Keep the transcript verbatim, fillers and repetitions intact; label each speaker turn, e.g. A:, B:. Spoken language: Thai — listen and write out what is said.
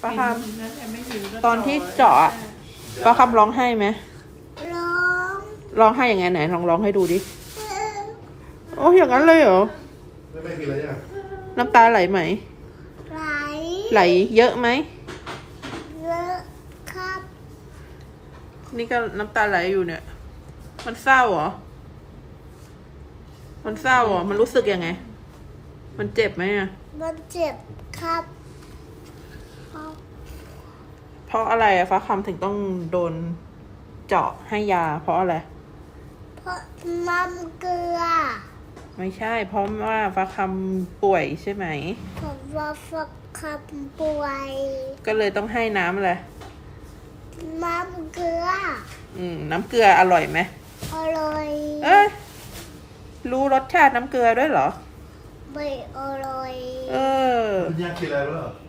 A: ป้าคำตอนที่เจาะอะป้าคำร้องไห้ไหม
B: ร้อง
A: ร้องไห้ยังไงไหนลองร้องให้ดูดิโอ้อย่างนั้นเลยเหรอ
C: ไม่ไม่กินอะไรเนี่ย
A: น้ำตาไหลไหม
B: ไหล
A: ไหลเยอะไหม
B: เยอะครับ
A: นี่ก็น้ำตาไหลอยู่เนี่ย มันเศร้าเหรอมันเศร้าเหรอมันรู้สึกยังไงมันเจ็บไหมอ่ะ
B: มันเจ็บครับ
A: เพราะอะไรอะฟ้าคำถึงต้องโดนเจาะให้ยา เพราะอะไร
B: เพราะน้ำเกลือ
A: ไม่ใช่ เพราะว่าฟ้าคำป่วยใช่ไหม
B: เพราะว่าฟักคำป่วย
A: ก็เลยต้องให้น้ำอะไร
B: น้ำเกลือ
A: อืมน้ำเกลืออร่อยไหม
B: อร่อย
A: เอ้ยรู้รสชาติน้ำเกลือด้วยเหรอ
B: ไม่อร่อย
A: เออ
C: คุณยากกินอะไรบ้าง